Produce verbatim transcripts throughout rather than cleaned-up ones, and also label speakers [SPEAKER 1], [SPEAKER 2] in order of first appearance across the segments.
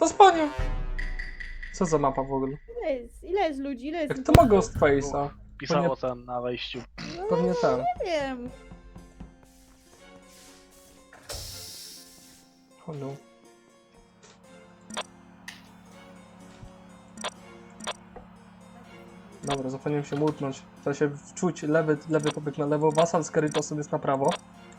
[SPEAKER 1] Zasłonił! Co za mapa w ogóle?
[SPEAKER 2] Ile jest, ile jest ludzi, ile jest...
[SPEAKER 1] Jak to ma Ghost Face'a?
[SPEAKER 3] Pisało tam na wejściu.
[SPEAKER 1] Pewnie ten.
[SPEAKER 2] Nie wiem.
[SPEAKER 1] O no. Dobra, zapomniałem się mutnąć. Trzeba się wczuć, lewy, lewy pobieg na lewo, Wasal z Keritosem jest na prawo.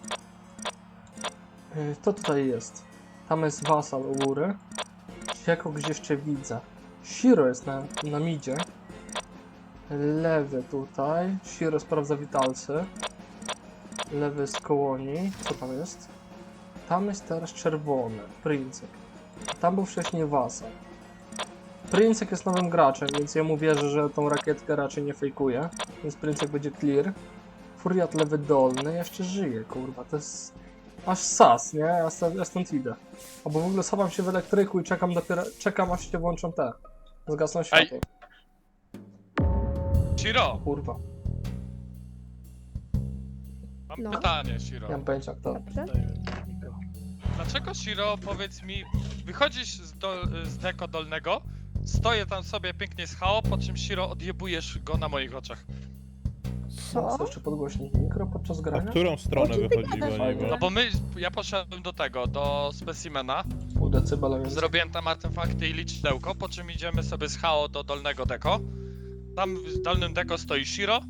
[SPEAKER 1] Yy, To tutaj jest. Tam jest Wasal u góry. Ja kogoś jeszcze widzę. Shiro jest na, na midzie. Lewy tutaj. Shiro sprawdza witalcy. Lewy z kołoni. Co tam jest? Tam jest teraz czerwony. Princek. Tam był wcześniej Wasal. Princek jest nowym graczem, więc ja mu wierzę, że tą rakietkę raczej nie fejkuje. Więc Princek będzie clear. Furiat lewy dolny jeszcze żyje, kurwa. To jest aż sas, nie? Ja stąd, ja stąd idę. Albo w ogóle schowam się w elektryku i czekam dopiero, czekam aż się włączą te. Zgasną światło.
[SPEAKER 4] Shiro,
[SPEAKER 1] Kurwa.
[SPEAKER 4] mam
[SPEAKER 2] No.
[SPEAKER 4] pytanie, Shiro.
[SPEAKER 1] Nie mam pojęcia kto.
[SPEAKER 2] Dobrze.
[SPEAKER 4] Dlaczego, Shiro, powiedz mi, wychodzisz z, do, z deko dolnego, stoję tam sobie pięknie z H O, po czym, Shiro, odjebujesz go na moich oczach.
[SPEAKER 1] Co?
[SPEAKER 2] Co?
[SPEAKER 1] Jeszcze podgłośnik mikro podczas
[SPEAKER 5] A w
[SPEAKER 1] grania?
[SPEAKER 5] którą stronę
[SPEAKER 2] O czym ty
[SPEAKER 5] wychodziła
[SPEAKER 2] gadasz?
[SPEAKER 5] niby?
[SPEAKER 4] No bo my, ja poszedłem do tego, do specimena,
[SPEAKER 1] Pół decybela więc...
[SPEAKER 4] zrobiłem tam artefakty i liczydełko, po czym idziemy sobie z H O do dolnego deko. Tam w dolnym deko stoi Shiro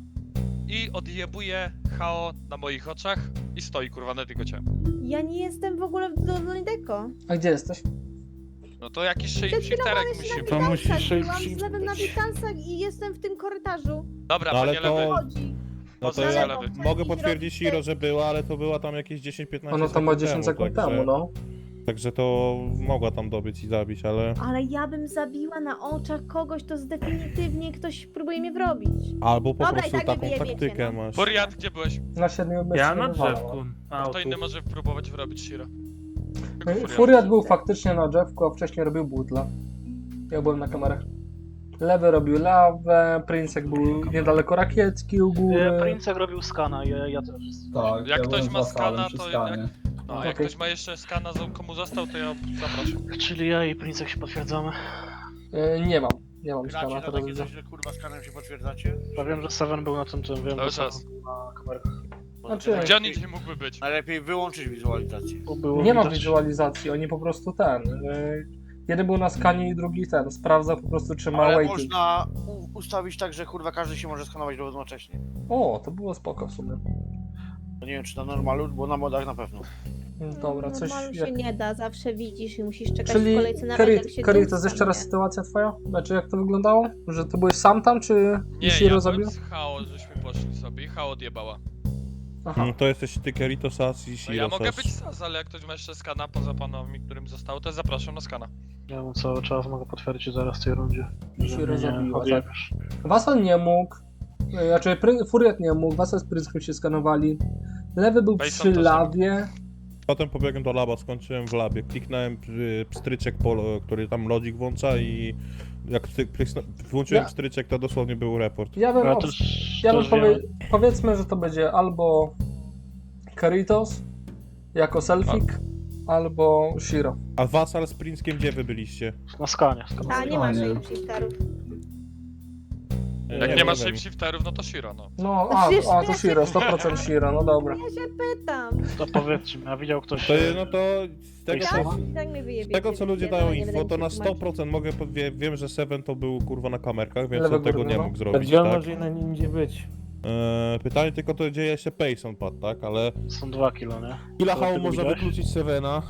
[SPEAKER 4] i odjebuje H O na moich oczach i stoi, kurwa, na tylko cię.
[SPEAKER 2] Ja nie jestem w ogóle w Dolnej Deko.
[SPEAKER 1] A gdzie jesteś?
[SPEAKER 4] No to jakiś
[SPEAKER 2] Przed chwilą
[SPEAKER 4] shifterek
[SPEAKER 2] byłeś
[SPEAKER 4] musi
[SPEAKER 2] na
[SPEAKER 4] być.
[SPEAKER 5] To musi
[SPEAKER 2] Witalsach, byłam
[SPEAKER 5] shape
[SPEAKER 2] z lewym na
[SPEAKER 5] być.
[SPEAKER 2] Witalsach i jestem w tym korytarzu.
[SPEAKER 4] Dobra,
[SPEAKER 5] No ale
[SPEAKER 4] panie
[SPEAKER 5] to-
[SPEAKER 4] lewy.
[SPEAKER 2] Chodzi.
[SPEAKER 5] No to
[SPEAKER 4] Pozycja
[SPEAKER 5] ja
[SPEAKER 4] lewy.
[SPEAKER 5] mogę potwierdzić Shiro, że była, ale to była tam jakieś dziesięć piętnaście
[SPEAKER 1] Ono tam ma dziesięć sekund
[SPEAKER 5] także,
[SPEAKER 1] temu, no.
[SPEAKER 5] Także to mogła tam dobyć i zabić, ale...
[SPEAKER 2] Ale ja bym zabiła na oczach kogoś, to definitywnie ktoś próbuje mnie wrobić.
[SPEAKER 5] Albo po
[SPEAKER 2] Dobra, i
[SPEAKER 5] prostu
[SPEAKER 2] tak mnie
[SPEAKER 5] taką
[SPEAKER 2] wyjebiecie,
[SPEAKER 5] taktykę
[SPEAKER 2] no.
[SPEAKER 5] masz.
[SPEAKER 4] Furiat, gdzie byłeś?
[SPEAKER 1] Na siedmiu bez
[SPEAKER 6] Ja na drzewku. A,
[SPEAKER 4] Kto
[SPEAKER 6] tu.
[SPEAKER 4] inny może próbować wrobić Shiro? Tylko
[SPEAKER 1] Furiat. Furiat był faktycznie na drzewku, a wcześniej robił butla. Ja byłem na kamerach. Lewy robił lawę, Princek był niedaleko rakietki u góry.
[SPEAKER 3] Princek robił skana, ja, ja też.
[SPEAKER 7] Tak,
[SPEAKER 4] Jak
[SPEAKER 7] ja
[SPEAKER 4] ktoś
[SPEAKER 7] byłem
[SPEAKER 4] ma
[SPEAKER 7] za salem
[SPEAKER 4] skana,
[SPEAKER 7] przy
[SPEAKER 4] to
[SPEAKER 7] skanie.
[SPEAKER 4] No, a
[SPEAKER 1] Okej.
[SPEAKER 4] jak ktoś ma jeszcze skana, z- komu został, to ja zapraszam.
[SPEAKER 3] Czyli ja i Princek się potwierdzamy.
[SPEAKER 1] E, nie mam, nie mam
[SPEAKER 6] Gracie
[SPEAKER 1] skana,
[SPEAKER 6] na
[SPEAKER 1] teraz
[SPEAKER 6] takie
[SPEAKER 1] widzę.
[SPEAKER 6] coś, że kurwa skanem się potwierdzacie?
[SPEAKER 3] Ja wiem, że Seven był na tym, tym wiem,
[SPEAKER 4] Cały
[SPEAKER 3] że
[SPEAKER 4] czas.
[SPEAKER 3] Seven był na kamerkach.
[SPEAKER 1] Znaczy,
[SPEAKER 4] Gdzie on indziej mógłby być?
[SPEAKER 6] Najlepiej wyłączyć wizualizację.
[SPEAKER 3] Bo było
[SPEAKER 1] Nie ma
[SPEAKER 3] widać-
[SPEAKER 1] wizualizacji, oni po prostu ten. E, jeden był na skanie i drugi ten. Sprawdza po prostu, czy ma
[SPEAKER 6] Ale
[SPEAKER 1] waiting.
[SPEAKER 6] można u- ustawić tak, że kurwa każdy się może skanować równocześnie.
[SPEAKER 1] O, to było spoko w sumie.
[SPEAKER 6] To nie wiem czy na normalu, bo na modach na pewno.
[SPEAKER 1] Dobra, coś.
[SPEAKER 2] Normalu się
[SPEAKER 1] Jak...
[SPEAKER 2] nie da, zawsze widzisz i musisz czekać w
[SPEAKER 1] Czyli
[SPEAKER 2] kolejce nawet jak
[SPEAKER 1] Kerit,
[SPEAKER 2] się
[SPEAKER 1] Kerit, to
[SPEAKER 2] dół
[SPEAKER 1] jest jeszcze raz
[SPEAKER 2] skanuje.
[SPEAKER 1] sytuacja twoja? Znaczy jak to wyglądało? Że ty byłeś sam tam, czy
[SPEAKER 4] Nie,
[SPEAKER 1] Shiro
[SPEAKER 4] ja
[SPEAKER 1] zabił?
[SPEAKER 4] byłem z H O, żeśmy poszli sobie i H O odjebała.
[SPEAKER 1] Aha.
[SPEAKER 5] No to jesteś ty, Keritosas i
[SPEAKER 4] No
[SPEAKER 5] Shiro.
[SPEAKER 4] ja mogę być Saz, ale jak ktoś ma jeszcze skana poza panami, którym zostało, to zapraszam na skana.
[SPEAKER 3] Ja mu cały czas mogę potwierdzić zaraz w tej rundzie. że
[SPEAKER 1] Shiro
[SPEAKER 3] mnie nie
[SPEAKER 1] zabiła,
[SPEAKER 3] odjebiesz.
[SPEAKER 1] Wasal nie mógł. e, Znaczy Pry- Furiat nie mógł, Wasal z Princkiem się skanowali. Lewy był
[SPEAKER 4] Bejson
[SPEAKER 1] przy
[SPEAKER 4] to
[SPEAKER 1] lawie.
[SPEAKER 5] Potem pobiegłem do laba, skończyłem w labie. Kliknąłem y, pstryczek, polo, który tam lodzik włącza i jak pstry- prysnę- włączyłem
[SPEAKER 1] Ja-
[SPEAKER 5] pstryczek, to dosłownie był report.
[SPEAKER 1] Ja bym,
[SPEAKER 3] Ja
[SPEAKER 1] obs-
[SPEAKER 3] też,
[SPEAKER 1] ja bym
[SPEAKER 3] też
[SPEAKER 1] powie-
[SPEAKER 3] wiem.
[SPEAKER 1] powiedzmy, że to będzie albo Keritos jako selfik, albo Shiro.
[SPEAKER 5] A Wasal z Princkiem gdzie wy byliście?
[SPEAKER 3] Na skanie.
[SPEAKER 2] A
[SPEAKER 3] skanie.
[SPEAKER 2] nie ma
[SPEAKER 7] nie.
[SPEAKER 2] shapeshifterów.
[SPEAKER 4] Jak
[SPEAKER 5] Nie,
[SPEAKER 4] nie ma
[SPEAKER 5] wiem.
[SPEAKER 4] shapeshifterów, no to Shiro, no.
[SPEAKER 1] No, a,
[SPEAKER 2] Przecież
[SPEAKER 1] a to
[SPEAKER 2] ja
[SPEAKER 1] Shiro, sto procent Shiro, no dobra.
[SPEAKER 2] Ja się pytam.
[SPEAKER 3] To powiedzcie mi, a widział ktoś...
[SPEAKER 5] To, no to z tego,
[SPEAKER 2] Tak?
[SPEAKER 5] co,
[SPEAKER 2] I tak mnie
[SPEAKER 5] z
[SPEAKER 2] wyjebiecie,
[SPEAKER 5] tego co ludzie
[SPEAKER 2] nie
[SPEAKER 5] dają
[SPEAKER 2] będę
[SPEAKER 5] info, to
[SPEAKER 2] mi
[SPEAKER 5] na
[SPEAKER 2] się
[SPEAKER 5] sto
[SPEAKER 2] tłumaczyć.
[SPEAKER 5] procent mogę, wie, wiem, że Seven to był kurwa na kamerkach, więc
[SPEAKER 1] Lewy
[SPEAKER 5] on tego
[SPEAKER 1] górny,
[SPEAKER 5] nie
[SPEAKER 1] no.
[SPEAKER 5] mógł zrobić,
[SPEAKER 8] Gdzie on
[SPEAKER 5] tak?
[SPEAKER 8] może inny nigdzie być?
[SPEAKER 5] Eee, pytanie tylko to, gdzie jeszcze Payson padł, tak? Ale
[SPEAKER 3] Są dwa kilo, nie?
[SPEAKER 5] ile
[SPEAKER 3] To
[SPEAKER 5] hału
[SPEAKER 3] ty
[SPEAKER 5] można
[SPEAKER 3] widziałeś?
[SPEAKER 5] wykluczyć Sevena?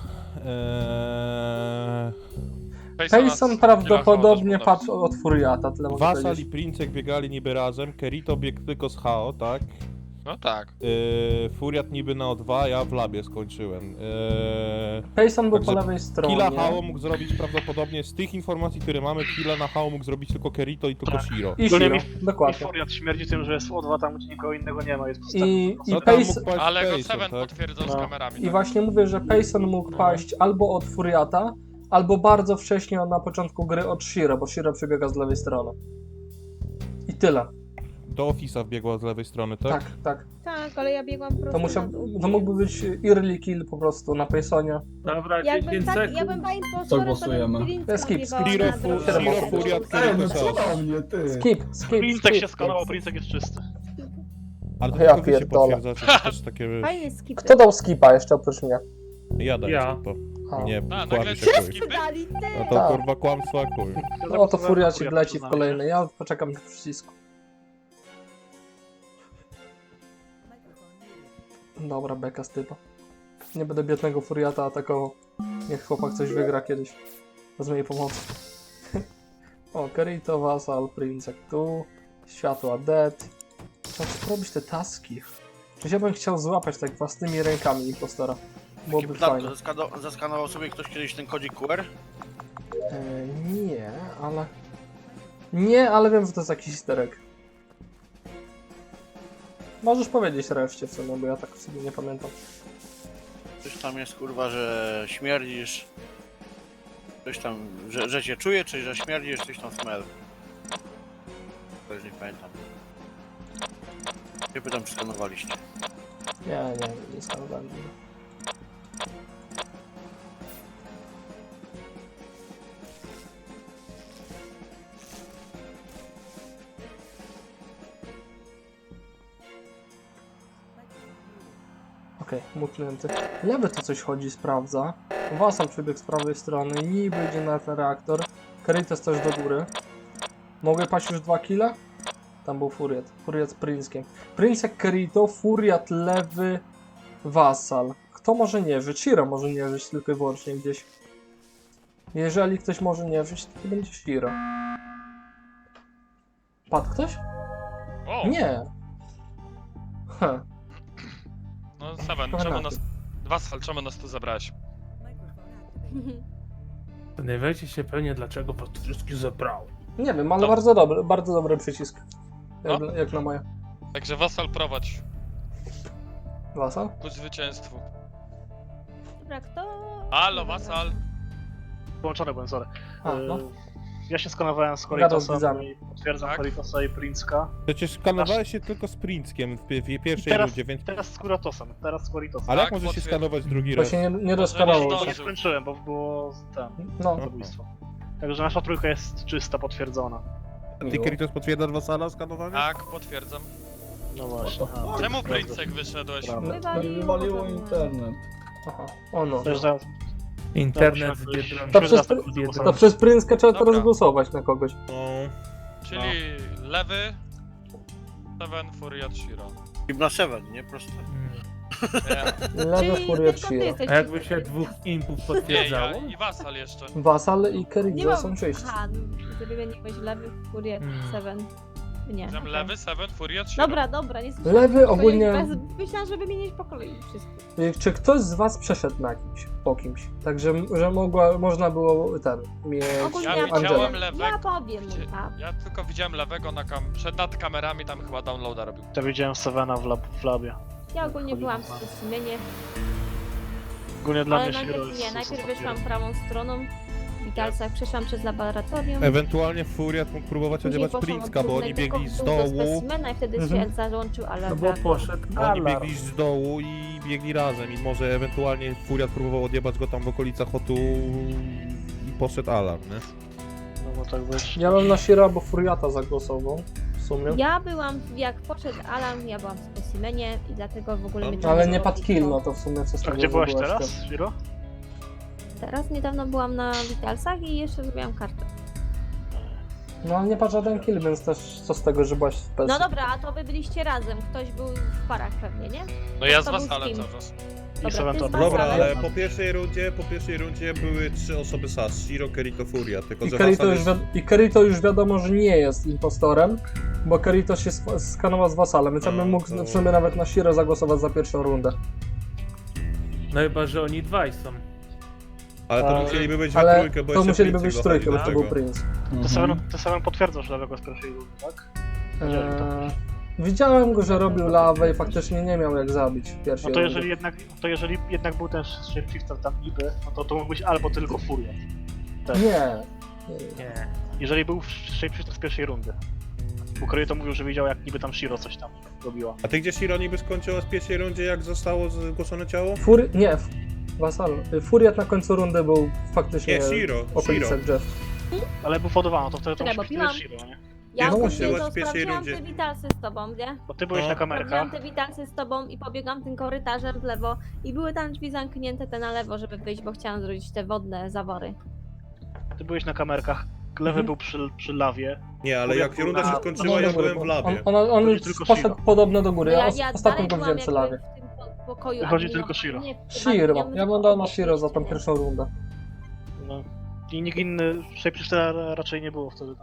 [SPEAKER 5] Eee,
[SPEAKER 1] Payson prawdopodobnie
[SPEAKER 4] Tyle
[SPEAKER 1] padł od Furiata, tyle mogę
[SPEAKER 5] Wasal i
[SPEAKER 1] powiedzieć.
[SPEAKER 5] Princek biegali niby razem, Kerito biegł tylko z H O, tak?
[SPEAKER 4] No tak.
[SPEAKER 5] Eee, Furiat niby na O dwa, ja w labie skończyłem. Eee,
[SPEAKER 1] Payson był
[SPEAKER 5] Także
[SPEAKER 1] po lewej stronie.
[SPEAKER 5] Killa H O mógł zrobić prawdopodobnie, z tych informacji, które mamy, Killa na H O mógł zrobić tylko Kerito i tylko
[SPEAKER 3] Tak.
[SPEAKER 5] Shiro.
[SPEAKER 1] I
[SPEAKER 3] Ogólnie
[SPEAKER 1] Shiro,
[SPEAKER 3] mi- I
[SPEAKER 1] dokładnie.
[SPEAKER 3] Furiat śmierdzi tym, że jest w O dwa tam, gdzie nikogo innego nie ma, jest
[SPEAKER 1] I,
[SPEAKER 3] postępny.
[SPEAKER 1] i,
[SPEAKER 5] No tam mógł
[SPEAKER 1] Payson,
[SPEAKER 5] paść
[SPEAKER 4] Ale go
[SPEAKER 5] Payson,
[SPEAKER 4] Seven
[SPEAKER 5] tak?
[SPEAKER 4] potwierdzał z
[SPEAKER 3] No.
[SPEAKER 4] kamerami.
[SPEAKER 1] I
[SPEAKER 4] tak?
[SPEAKER 1] właśnie mówię, że Payson mógł paść albo od Furiata, albo bardzo wcześnie na początku gry od Shiro, bo Shiro przebiega z lewej strony. I tyle.
[SPEAKER 5] Do Office'a wbiegła z lewej strony, tak?
[SPEAKER 1] Tak, tak.
[SPEAKER 2] Tak, tak, ale ja biegłam prosto
[SPEAKER 1] To, musiał,
[SPEAKER 2] na dół.
[SPEAKER 1] to mógłby być early kill po prostu na Paysonie.
[SPEAKER 7] Dobra,
[SPEAKER 2] Jakbym
[SPEAKER 7] dziesięć
[SPEAKER 2] tak, ja
[SPEAKER 7] sekund.
[SPEAKER 2] bym była impostorem, to
[SPEAKER 8] głosujemy?
[SPEAKER 2] bym
[SPEAKER 1] To jest skip,
[SPEAKER 2] Prince'a
[SPEAKER 1] skip.
[SPEAKER 2] biegała
[SPEAKER 5] Shiro,
[SPEAKER 2] na
[SPEAKER 5] fu-
[SPEAKER 2] drogę.
[SPEAKER 5] Shiro, Furiat,
[SPEAKER 8] Ej, no
[SPEAKER 5] Kerito,
[SPEAKER 8] co
[SPEAKER 5] Chaos.
[SPEAKER 8] do mnie, ty?
[SPEAKER 1] Skip, skip,
[SPEAKER 3] Princek się
[SPEAKER 1] skip.
[SPEAKER 3] skanował, Princek jest czysty.
[SPEAKER 5] Ale to
[SPEAKER 1] Ja
[SPEAKER 5] tylko wy się
[SPEAKER 1] pierdolę.
[SPEAKER 5] potwierdzacie, to też takie...
[SPEAKER 2] Fajny skip.
[SPEAKER 1] Kto dał skipa jeszcze oprócz mnie?
[SPEAKER 5] Ja daję
[SPEAKER 7] Ja.
[SPEAKER 5] to.
[SPEAKER 1] A.
[SPEAKER 5] Nie,
[SPEAKER 4] A, nagle
[SPEAKER 5] kłamie się
[SPEAKER 4] się
[SPEAKER 5] chuj.
[SPEAKER 4] skipy?
[SPEAKER 2] Dali ty!
[SPEAKER 5] No to
[SPEAKER 1] Tak.
[SPEAKER 5] kurwa kłamstwa chuj.
[SPEAKER 1] No to furiacik leci w kolejny, ja poczekam na przycisku. Dobra, beka z typa. Nie będę biednego furiata atakował. Niech chłopak coś wygra kiedyś. Bez mojej pomocy. O, Kerito, Vassal, Princek tu. Światła dead. Trzeba robić te taski. Przecież ja bym chciał złapać tak własnymi rękami impostora.
[SPEAKER 6] Takie
[SPEAKER 1] Byłoby
[SPEAKER 6] pytanko,
[SPEAKER 1] fajne.
[SPEAKER 6] zaskano- zaskanował sobie ktoś kiedyś ten kodzik Q R?
[SPEAKER 1] E, nie, ale... Nie, ale wiem, że to jest jakiś easter egg. Możesz powiedzieć reszcie w sumie, bo ja tak sobie nie pamiętam.
[SPEAKER 6] Coś tam jest kurwa, że śmierdzisz. Coś tam, że, że cię czuje, czy że śmierdzisz, coś tam smell. To już nie pamiętam. Nie pytam, czy skanowaliście.
[SPEAKER 1] Nie, nie, nie skanowałem. Okej, okay, mutnięty. Lewy to coś chodzi, sprawdza. Wasal przebiegł z prawej strony, niby idzie na ten reaktor. Kerrytos też do góry. Mogę paść już dwa kile? Tam był Furiat. Furiat z Princkiem. Princek, Kerito, Furiat, lewy, Wasal. Kto może nie żyć? Shiro może nie żyć tylko i wyłącznie gdzieś. Jeżeli ktoś może nie żyć, to, to będzie Shiro. Padł ktoś?
[SPEAKER 4] O,
[SPEAKER 1] Nie. Heh.
[SPEAKER 4] no Seven, czemu nas... Vassal, czemu nas tu zabrałeś?
[SPEAKER 7] Zastanawiajcie się pewnie, dlaczego was tu wszystkich zebrał.
[SPEAKER 1] Nie wiem, ale
[SPEAKER 4] No.
[SPEAKER 1] bardzo dobry, bardzo dobry przycisk. Jak,
[SPEAKER 4] No.
[SPEAKER 1] jak na moje.
[SPEAKER 4] Także Vassal prowadź
[SPEAKER 1] Wasal?
[SPEAKER 4] ku zwycięstwu.
[SPEAKER 2] Dobra, kto?
[SPEAKER 4] Halo, Vassal!
[SPEAKER 3] Połączony byłem, sorry.
[SPEAKER 1] A, no.
[SPEAKER 3] Yy, Ja się skanowałem z
[SPEAKER 1] Gadał z
[SPEAKER 3] Koritosem
[SPEAKER 1] widzami.
[SPEAKER 3] i potwierdzam
[SPEAKER 4] Tak?
[SPEAKER 3] Koritosa i Princka.
[SPEAKER 5] Przecież skanowałeś się tylko z Princkiem w, pi- w pierwszej
[SPEAKER 3] Teraz,
[SPEAKER 5] rundzie, więc...
[SPEAKER 3] teraz z Kuratosem, teraz z Koritosem.
[SPEAKER 5] Ale jak
[SPEAKER 4] Tak,
[SPEAKER 5] możesz się
[SPEAKER 4] potwierdzam.
[SPEAKER 5] skanować drugi
[SPEAKER 1] Bo
[SPEAKER 5] raz?
[SPEAKER 1] się nie, nie
[SPEAKER 4] nie
[SPEAKER 1] doskanało.
[SPEAKER 3] Bo nie
[SPEAKER 4] zdążył.
[SPEAKER 3] skończyłem, bo było ten
[SPEAKER 1] No,
[SPEAKER 3] zabójstwo. Także nasza trójka jest czysta, potwierdzona.
[SPEAKER 5] Ty, Kerrytos, potwierdzasz Wasala skanowanie?
[SPEAKER 4] Tak, potwierdzam.
[SPEAKER 3] No właśnie. A,
[SPEAKER 4] Czemu Princek wyszedłeś?
[SPEAKER 3] Prawda.
[SPEAKER 8] Wywaliło internet.
[SPEAKER 1] aha. O no.
[SPEAKER 3] Dojeżdżając-
[SPEAKER 7] Internet z
[SPEAKER 3] To
[SPEAKER 7] Biedronki.
[SPEAKER 1] To przez,
[SPEAKER 3] Zaraz
[SPEAKER 1] to
[SPEAKER 3] zagłosować.
[SPEAKER 1] przez Princka trzeba
[SPEAKER 4] Dobra.
[SPEAKER 1] teraz głosować na kogoś.
[SPEAKER 5] No.
[SPEAKER 4] Czyli lewy, Seven, Furiat, Shiro.
[SPEAKER 6] I na Seven, nie? Prosto.
[SPEAKER 4] Nie,
[SPEAKER 1] Lewy
[SPEAKER 2] Czyli
[SPEAKER 1] Furiat
[SPEAKER 2] tylko ty
[SPEAKER 1] Shiro.
[SPEAKER 2] jesteś
[SPEAKER 7] A jakby
[SPEAKER 2] czysty.
[SPEAKER 7] się dwóch impów
[SPEAKER 4] nie, ja
[SPEAKER 7] potwierdzało?
[SPEAKER 4] i Vassal jeszcze.
[SPEAKER 1] Wasal i
[SPEAKER 2] Nie
[SPEAKER 1] Kerito
[SPEAKER 2] mam...
[SPEAKER 1] są czyści.
[SPEAKER 2] Aha, ty wymieniłeś lewy, furiat,
[SPEAKER 7] Hmm.
[SPEAKER 2] seven. Nie.
[SPEAKER 4] Tam
[SPEAKER 2] okej.
[SPEAKER 4] lewy, Seven, Furiat, Shiro.
[SPEAKER 2] Dobra, dobra, nie słyszałam.
[SPEAKER 1] Lewy
[SPEAKER 2] Tylko
[SPEAKER 1] ogólnie-
[SPEAKER 2] ja bez- Myślałam, że wymienić po kolei wszystko.
[SPEAKER 1] Czy ktoś z was przeszedł na kimś, po kimś? Także, że mogła, można było ten, mieć
[SPEAKER 2] Ogólnie
[SPEAKER 4] Ja
[SPEAKER 2] ja,
[SPEAKER 4] widziałem
[SPEAKER 1] Angela.
[SPEAKER 4] lewego.
[SPEAKER 2] ja powiem mu,
[SPEAKER 4] Gdzie-
[SPEAKER 2] tak.
[SPEAKER 4] Ja tylko widziałem lewego na kam... przed nad kamerami, tam chyba downloada robił.
[SPEAKER 3] Ja widziałem Sevena w, lab, w labie.
[SPEAKER 2] Ja ogólnie byłam w specimenie,
[SPEAKER 3] Ogólnie dla
[SPEAKER 2] ale
[SPEAKER 3] mnie Shiro
[SPEAKER 2] najpierw
[SPEAKER 3] jest...
[SPEAKER 2] nie,
[SPEAKER 3] jest
[SPEAKER 2] najpierw
[SPEAKER 3] ostatni
[SPEAKER 2] wyszłam
[SPEAKER 3] raz.
[SPEAKER 2] prawą stroną, w witalcach, przeszłam przez laboratorium.
[SPEAKER 5] Ewentualnie Furiat mógł próbować
[SPEAKER 2] Później
[SPEAKER 5] odjebać
[SPEAKER 2] poszłam
[SPEAKER 5] Princka,
[SPEAKER 2] od
[SPEAKER 5] bo oni
[SPEAKER 2] głównego
[SPEAKER 5] biegli z
[SPEAKER 2] do
[SPEAKER 5] dołu.
[SPEAKER 2] specimena i wtedy
[SPEAKER 1] Mhm.
[SPEAKER 2] się załączył
[SPEAKER 7] No
[SPEAKER 2] alarm.
[SPEAKER 7] bo poszedł
[SPEAKER 5] Oni
[SPEAKER 7] alarm.
[SPEAKER 5] biegli z dołu i biegli razem i może ewentualnie Furiat próbował odjebać go tam w okolicach Hotu i poszedł alarm, nie?
[SPEAKER 3] No bo tak być.
[SPEAKER 1] Ja bym na Shiro albo Furiata zagłosował, w sumie.
[SPEAKER 2] Ja byłam, jak poszedł alarm, ja byłam w specimenie i dlatego w ogóle mnie
[SPEAKER 4] No,
[SPEAKER 2] to
[SPEAKER 1] Ale nie
[SPEAKER 2] było
[SPEAKER 1] padł kill,
[SPEAKER 2] blisko.
[SPEAKER 1] no to w sumie co z
[SPEAKER 3] A
[SPEAKER 1] tego,
[SPEAKER 3] gdzie
[SPEAKER 1] że
[SPEAKER 3] byłaś
[SPEAKER 1] byłaś
[SPEAKER 3] teraz,
[SPEAKER 1] tam.
[SPEAKER 3] Shiro?
[SPEAKER 2] Teraz niedawno byłam na witalsach i jeszcze zrobiłam kartę.
[SPEAKER 1] No ale nie padł żaden kill, więc też co z tego, że byłaś w P S.
[SPEAKER 2] No dobra, a to wy byliście razem, ktoś był w parach pewnie, nie?
[SPEAKER 4] No ja z
[SPEAKER 2] To był
[SPEAKER 4] Vassalem
[SPEAKER 2] Steam.
[SPEAKER 4] cały czas.
[SPEAKER 3] I
[SPEAKER 2] Dobra,
[SPEAKER 3] Seven
[SPEAKER 2] ty
[SPEAKER 3] to
[SPEAKER 2] z
[SPEAKER 5] Dobra,
[SPEAKER 2] Vassalem.
[SPEAKER 5] ale po pierwszej rundzie, po pierwszej rundzie były trzy osoby S A S, Shiro, Kerito, Furiat, tylko
[SPEAKER 1] I
[SPEAKER 5] że
[SPEAKER 1] Kerito,
[SPEAKER 5] Vassal
[SPEAKER 1] już
[SPEAKER 5] jest...
[SPEAKER 1] wi- I Kerito już wiadomo, że nie jest impostorem, bo Kerito się sp- skanował z Vasalem, więc ja bym
[SPEAKER 5] No,
[SPEAKER 1] mógł
[SPEAKER 5] to-
[SPEAKER 1] w sumie nawet na Shiro zagłosować za pierwszą rundę.
[SPEAKER 7] No chyba, że oni dwaj są.
[SPEAKER 5] Ale to
[SPEAKER 1] Ale-
[SPEAKER 5] musieliby być we
[SPEAKER 1] Ale
[SPEAKER 5] trójkę, bo
[SPEAKER 1] to
[SPEAKER 5] jeszcze
[SPEAKER 1] musieliby
[SPEAKER 5] Prince
[SPEAKER 1] być
[SPEAKER 5] dochodzi
[SPEAKER 1] trójkę,
[SPEAKER 5] do
[SPEAKER 1] bo to był
[SPEAKER 5] tego.
[SPEAKER 1] Prince.
[SPEAKER 3] Ty Seven, ty Seven potwierdzasz lewego z pierwszej rundy, tak? Widziałem to.
[SPEAKER 1] Eee, widziałem go, że robił lawę i faktycznie nie miał jak zabić w pierwszej
[SPEAKER 3] No to
[SPEAKER 1] rundzie.
[SPEAKER 3] jeżeli jednak, to jeżeli jednak był ten shapeshifter tam niby, no to to mógł być albo tylko Furiat.
[SPEAKER 1] Nie. Nie.
[SPEAKER 7] Nie.
[SPEAKER 3] Jeżeli był shapeshifter z pierwszej rundy. Bo Kryj to mówił, że widział jak niby tam Shiro coś tam robiła.
[SPEAKER 5] A ty gdzie Shiro niby skończyła z pierwszej rundzie, jak zostało zgłoszone ciało?
[SPEAKER 1] Fury... nie, f- Wasal. Furiat na końcu rundy był faktycznie
[SPEAKER 5] Nie, Shiro,
[SPEAKER 1] w okolicach
[SPEAKER 5] Shiro.
[SPEAKER 1] drzew.
[SPEAKER 3] Ale bufodowano, to wtedy to
[SPEAKER 9] Czekaj,
[SPEAKER 3] musi
[SPEAKER 9] bo
[SPEAKER 3] być
[SPEAKER 9] piłam.
[SPEAKER 3] Shiro, nie?
[SPEAKER 9] Ja
[SPEAKER 5] Nie,
[SPEAKER 9] no,
[SPEAKER 5] no,
[SPEAKER 9] to
[SPEAKER 5] byłaś w pierwszej
[SPEAKER 9] sprawdziłam
[SPEAKER 5] rundzie.
[SPEAKER 9] te witalsy z tobą, nie?
[SPEAKER 3] Bo ty byłeś
[SPEAKER 5] No.
[SPEAKER 3] na
[SPEAKER 9] Sprawdziłam
[SPEAKER 3] kamerkach.
[SPEAKER 9] te witalsy z tobą i pobiegłam tym korytarzem w lewo i były tam drzwi zamknięte te na lewo, żeby wyjść, bo chciałam zrobić te wodne zawory.
[SPEAKER 3] Ty byłeś na kamerkach. Lewy
[SPEAKER 1] Mhm.
[SPEAKER 3] był przy, przy lawie.
[SPEAKER 5] Nie, ale jak runda się
[SPEAKER 1] A,
[SPEAKER 5] skończyła,
[SPEAKER 1] no,
[SPEAKER 5] ja
[SPEAKER 1] do góry,
[SPEAKER 5] byłem w
[SPEAKER 1] bo
[SPEAKER 5] labie.
[SPEAKER 1] On, on, on
[SPEAKER 3] Chodzi
[SPEAKER 1] już
[SPEAKER 3] tylko
[SPEAKER 1] poszedł
[SPEAKER 3] Shiro.
[SPEAKER 1] podobno do góry.
[SPEAKER 9] No
[SPEAKER 1] Ja,
[SPEAKER 9] ja,
[SPEAKER 1] os-
[SPEAKER 9] ja
[SPEAKER 1] ostatnio
[SPEAKER 9] dalej
[SPEAKER 1] go
[SPEAKER 9] byłam
[SPEAKER 1] widziałem przy
[SPEAKER 9] jakby
[SPEAKER 1] lawie.
[SPEAKER 9] w tym po- pokoju
[SPEAKER 3] Wychodzi
[SPEAKER 9] adminowa-
[SPEAKER 3] tylko Shiro.
[SPEAKER 9] nie, w tym
[SPEAKER 1] Shiro.
[SPEAKER 9] adminie,
[SPEAKER 1] Ja
[SPEAKER 9] tylko
[SPEAKER 1] bym dał na
[SPEAKER 9] obok
[SPEAKER 1] Shiro za tą
[SPEAKER 9] nie?
[SPEAKER 1] pierwszą rundę.
[SPEAKER 3] No. I nikt inny, Shapeshiftera raczej nie było wtedy tam.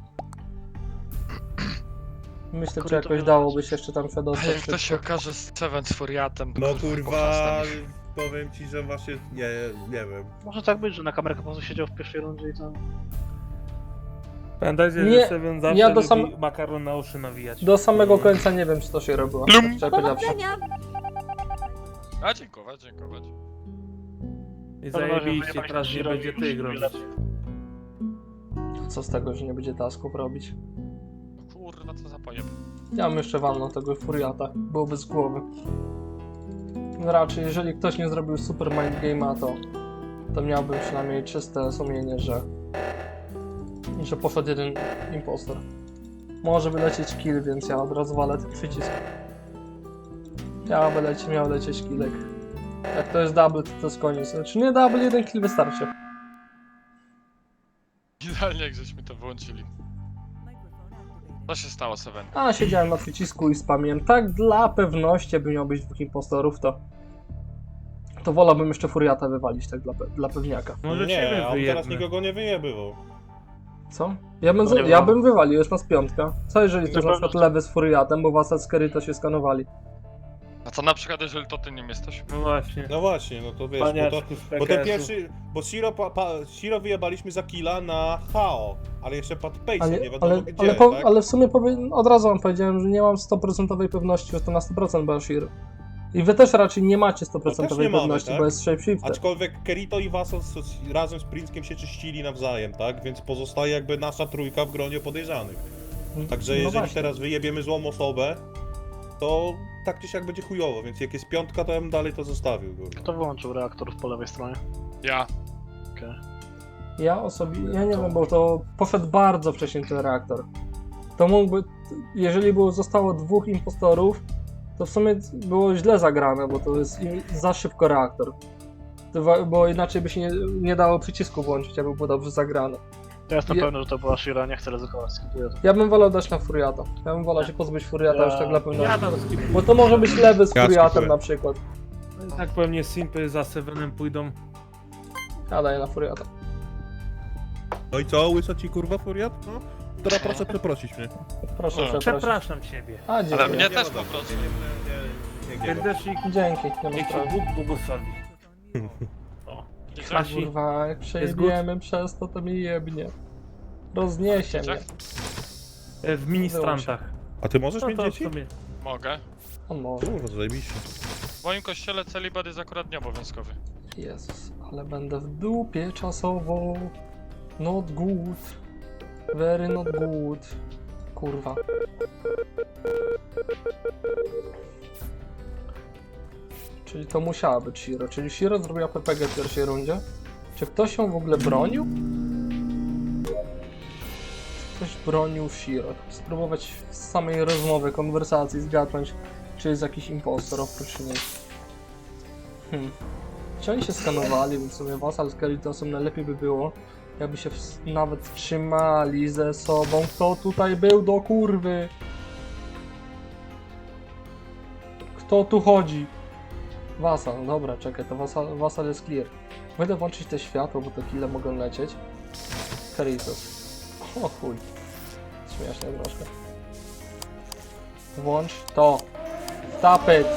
[SPEAKER 1] Myślę,
[SPEAKER 3] Kurde,
[SPEAKER 1] czy
[SPEAKER 3] to
[SPEAKER 1] jakoś
[SPEAKER 3] wiele
[SPEAKER 1] dałoby
[SPEAKER 3] rzeczy.
[SPEAKER 1] się jeszcze tam się
[SPEAKER 4] A
[SPEAKER 1] dostać.
[SPEAKER 4] jak to się
[SPEAKER 1] szybko.
[SPEAKER 4] okaże z Seven z Furiatem, to
[SPEAKER 5] No
[SPEAKER 4] kurwa,
[SPEAKER 5] kurwa,
[SPEAKER 4] pochlastam ich.
[SPEAKER 5] powiem ci, że właśnie, nie, nie wiem.
[SPEAKER 3] Może tak być, że na kamerkę po prostu siedział w pierwszej rundzie i to...
[SPEAKER 7] Pamiętajcie,
[SPEAKER 1] Nie,
[SPEAKER 7] że Seven zawsze
[SPEAKER 1] ja do
[SPEAKER 7] lubi
[SPEAKER 1] sam-
[SPEAKER 7] makaron na uszy nawijać.
[SPEAKER 1] Do samego końca nie wiem, czy to się robiło.
[SPEAKER 4] Plum.
[SPEAKER 1] Szczerze powiedziawszy.
[SPEAKER 9] Powodzenia!
[SPEAKER 4] A dziękować, dziękować.
[SPEAKER 7] I
[SPEAKER 3] To może
[SPEAKER 7] zajebiście,
[SPEAKER 3] wyjebać
[SPEAKER 7] teraz nie
[SPEAKER 3] Shiro
[SPEAKER 7] będzie
[SPEAKER 3] i
[SPEAKER 7] ty
[SPEAKER 3] już
[SPEAKER 7] grozić.
[SPEAKER 3] lepiej.
[SPEAKER 1] Co z tego, że nie będzie tasków robić?
[SPEAKER 4] Kurwa, co za pojeb.
[SPEAKER 1] Ja bym jeszcze walnął tego Furiata. Byłoby z głowy. Raczej, jeżeli ktoś nie zrobił super mind game'a, to, to miałbym przynajmniej czyste sumienie, że że poszedł jeden impostor. Może wylecieć kill, więc ja od razu walę ten przycisk. Ja by leci, miał lecieć killek. Jak to jest double, to to jest koniec. Znaczy nie double, jeden kill wystarczy.
[SPEAKER 4] Idealnie jak żeśmy to wyłączyli. Co się stało, Seven?
[SPEAKER 1] A, siedziałem na przycisku i spamiłem. Tak dla pewności, by miał być dwóch impostorów, to to wolałbym jeszcze Furiata wywalić, tak dla, pe- dla pewniaka.
[SPEAKER 7] Może
[SPEAKER 5] nie,
[SPEAKER 7] ciebie
[SPEAKER 5] a on
[SPEAKER 7] wyjebmy.
[SPEAKER 5] teraz nikogo nie wyjebywał.
[SPEAKER 1] Co? Ja bym,
[SPEAKER 3] No
[SPEAKER 1] z-
[SPEAKER 3] nie
[SPEAKER 1] ja
[SPEAKER 3] wiem.
[SPEAKER 1] bym wywalił, jest nas piątka. Co jeżeli to jest na
[SPEAKER 3] pewno,
[SPEAKER 1] przykład
[SPEAKER 3] że-
[SPEAKER 1] lewy z Furiatem, bo Wasal z Kerry to się skanowali.
[SPEAKER 4] A co na przykład, jeżeli to ty nim jesteś?
[SPEAKER 7] No właśnie.
[SPEAKER 5] No właśnie, no to wiesz, bo, to,
[SPEAKER 7] Paniaczku z
[SPEAKER 5] bo ten
[SPEAKER 7] P K S-u.
[SPEAKER 5] pierwszy, bo Shiro, pa, pa, Shiro wyjebaliśmy za killa na Hao, ale jeszcze pod Pace
[SPEAKER 1] Ale,
[SPEAKER 5] nie wiadomo
[SPEAKER 1] ale,
[SPEAKER 5] gdzie,
[SPEAKER 1] ale, po,
[SPEAKER 5] tak?
[SPEAKER 1] ale w sumie powie, od razu wam powiedziałem, że nie mam sto procent pewności, że to na sto procent Bashir. I wy też raczej nie macie sto procent
[SPEAKER 5] No też nie mamy,
[SPEAKER 1] pewności,
[SPEAKER 5] tak?
[SPEAKER 1] bo jest shapeshifter.
[SPEAKER 5] Aczkolwiek Kerito i Vassal s- s- razem z Princkiem się czyścili nawzajem, tak? Więc pozostaje jakby nasza trójka w gronie podejrzanych. Także
[SPEAKER 1] No
[SPEAKER 5] jeżeli
[SPEAKER 1] właśnie.
[SPEAKER 5] teraz wyjebiemy złą osobę, to tak czy siak będzie chujowo, więc jak jest piątka, to ja bym dalej to zostawił. Kurwa.
[SPEAKER 3] Kto wyłączył reaktor po lewej stronie?
[SPEAKER 4] Ja.
[SPEAKER 3] Okej.
[SPEAKER 1] Ja osobiście, ja nie wiem, bo to poszedł bardzo wcześnie ten reaktor. To mógłby, jeżeli było, zostało dwóch impostorów, to w sumie było źle zagrane, bo to jest im- za szybko reaktor. To wa- Bo inaczej by się nie, nie dało przycisku włączyć, aby było dobrze zagrane.
[SPEAKER 3] Ja jestem
[SPEAKER 1] Ja-
[SPEAKER 3] pewny, że to była Shira, nie chcę ryzykować, skipuję to.
[SPEAKER 1] Ja bym wolał dać na Furiata. Ja bym wolał się pozbyć Furiata
[SPEAKER 3] Ja-
[SPEAKER 1] już tak dla pewności.
[SPEAKER 7] Ja tam skipuję.
[SPEAKER 1] Bo to może być lewy z
[SPEAKER 5] Ja
[SPEAKER 1] Furiatem
[SPEAKER 5] skipuję.
[SPEAKER 1] na przykład.
[SPEAKER 7] Tak pewnie Simpy za Sevenem pójdą.
[SPEAKER 1] Ja daję na Furiata.
[SPEAKER 5] No i co, łysa ci kurwa furiat? No? Teraz proszę przeprosić mnie.
[SPEAKER 1] Proszę
[SPEAKER 4] No.
[SPEAKER 1] przeprosić.
[SPEAKER 7] Przepraszam ciebie.
[SPEAKER 1] A,
[SPEAKER 4] Ale
[SPEAKER 1] dziękuję.
[SPEAKER 4] mnie też po prostu.
[SPEAKER 5] Nie, nie, nie, nie,
[SPEAKER 7] Serdecznik,
[SPEAKER 1] Dzięki, nie ma
[SPEAKER 7] niech ci
[SPEAKER 1] sprawy.
[SPEAKER 7] Bóg błogosławi. Kasi,
[SPEAKER 1] Kurwa, jak przejebiemy przez to, to mi jebnie. Rozniesie mnie.
[SPEAKER 7] e, w ministrantach.
[SPEAKER 5] A ty możesz
[SPEAKER 7] No
[SPEAKER 5] mieć
[SPEAKER 7] to w
[SPEAKER 5] dzieci?
[SPEAKER 7] sumie.
[SPEAKER 4] Mogę.
[SPEAKER 1] On może.
[SPEAKER 5] Kurwa, zajebiście.
[SPEAKER 4] W moim kościele celibat jest akurat nieobowiązkowy.
[SPEAKER 1] Jezus, ale będę w dupie czasowo. Not good. Very not good. Kurwa. Czyli to musiała być Shiro. Czyli Shiro zrobiła P P G w pierwszej rundzie? Czy ktoś ją w ogóle bronił? Czy ktoś bronił Shiro? Spróbować z samej rozmowy, konwersacji zgadnąć, czy jest jakiś impostor oprócz niej. Hmm. Czy oni się skanowali, więc w sumie Vassal z Keritosem najlepiej by było, jakby się ws- nawet trzymali ze sobą. Kto tutaj był do kurwy? Kto tu chodzi? Vassal, dobra, czekaj, to Vassal, Vassal jest clear. Będę włączyć te światło, bo te kile mogą lecieć. Keritos. O chuj. Śmiesznie troszkę. Włącz to. Stop it.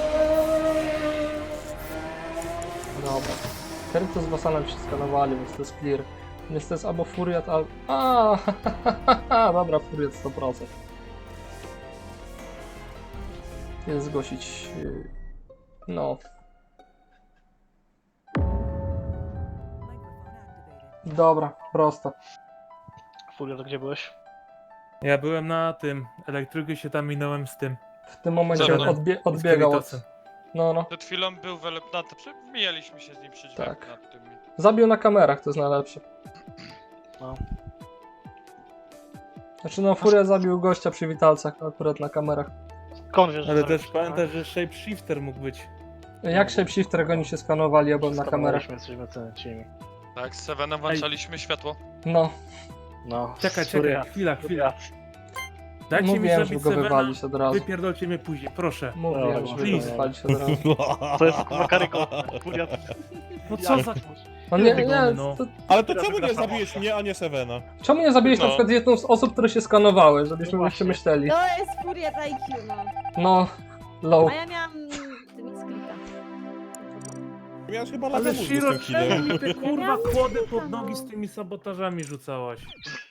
[SPEAKER 1] Dobra. Keritos z Vassalem się skanowali, więc to jest clear. Więc to jest albo Furiat, albo... A, dobra, Furiat sto procent. Jest zgłosić... yy, No. Dobra, prosto.
[SPEAKER 3] Fulia, to gdzie byłeś?
[SPEAKER 7] Ja byłem na tym, elektryku się tam minąłem z tym.
[SPEAKER 1] W tym momencie
[SPEAKER 4] Dobra.
[SPEAKER 1] odbie
[SPEAKER 7] z
[SPEAKER 1] odbiegał od...
[SPEAKER 7] Krytosem.
[SPEAKER 1] No, no.
[SPEAKER 4] Przed chwilą był w ele- na to, przy- mijaliśmy się z nim przy drzwiach
[SPEAKER 1] Tak.
[SPEAKER 4] nad tymi.
[SPEAKER 1] Zabił na kamerach, to jest najlepsze.
[SPEAKER 3] No.
[SPEAKER 1] Znaczy no, Furia zabił gościa przy witalcach, akurat na kamerach.
[SPEAKER 3] Skąd wiesz, że
[SPEAKER 7] Ale
[SPEAKER 3] zabił?
[SPEAKER 7] też pamiętaj, że shapeshifter mógł być.
[SPEAKER 1] Jak shapeshifter, jak oni się skanowali, ja byłem na kamerach.
[SPEAKER 3] Skanowaliśmy, jesteśmy ceniciemi.
[SPEAKER 4] Tak, z Sevenem włączaliśmy światło.
[SPEAKER 1] No,
[SPEAKER 3] No,
[SPEAKER 7] Czekaj,
[SPEAKER 3] Furia.
[SPEAKER 7] czekaj, chwila, chwila. Dajcie mi
[SPEAKER 1] mówiłem, żeby
[SPEAKER 7] zabić
[SPEAKER 1] go
[SPEAKER 7] Sevena,
[SPEAKER 1] wywalić od razu.
[SPEAKER 7] wypierdolcie mnie później, proszę.
[SPEAKER 1] Mówiłem,
[SPEAKER 3] Dobra,
[SPEAKER 1] żeby go
[SPEAKER 7] please.
[SPEAKER 1] wywalić od razu.
[SPEAKER 3] To jest kurwa karygodne. Furia.
[SPEAKER 7] No co za...
[SPEAKER 1] No nie,
[SPEAKER 7] Wygony,
[SPEAKER 1] nie,
[SPEAKER 7] no.
[SPEAKER 1] to,
[SPEAKER 5] Ale to
[SPEAKER 3] Teraz
[SPEAKER 5] czemu nie
[SPEAKER 3] wygra
[SPEAKER 5] zabiłeś
[SPEAKER 3] Samocha.
[SPEAKER 5] mnie, a nie Sevena?
[SPEAKER 1] czemu nie zabiłeś
[SPEAKER 4] No.
[SPEAKER 1] na przykład jedną z osób, które się skanowały, żebyśmy
[SPEAKER 3] No
[SPEAKER 1] właśnie
[SPEAKER 3] właśnie.
[SPEAKER 1] myśleli?
[SPEAKER 2] To jest furia I Q, no.
[SPEAKER 1] No, low.
[SPEAKER 9] A ja miałam Mixcrita.
[SPEAKER 5] Miałeś chyba
[SPEAKER 7] Ale
[SPEAKER 5] lagę mózgu z
[SPEAKER 7] Shiro,
[SPEAKER 5] tym killem.
[SPEAKER 7] czemu mi te kurwa
[SPEAKER 9] miałam
[SPEAKER 7] kłody
[SPEAKER 9] Mixcrita,
[SPEAKER 7] pod nogi
[SPEAKER 9] no.
[SPEAKER 7] z tymi sabotażami rzucałaś?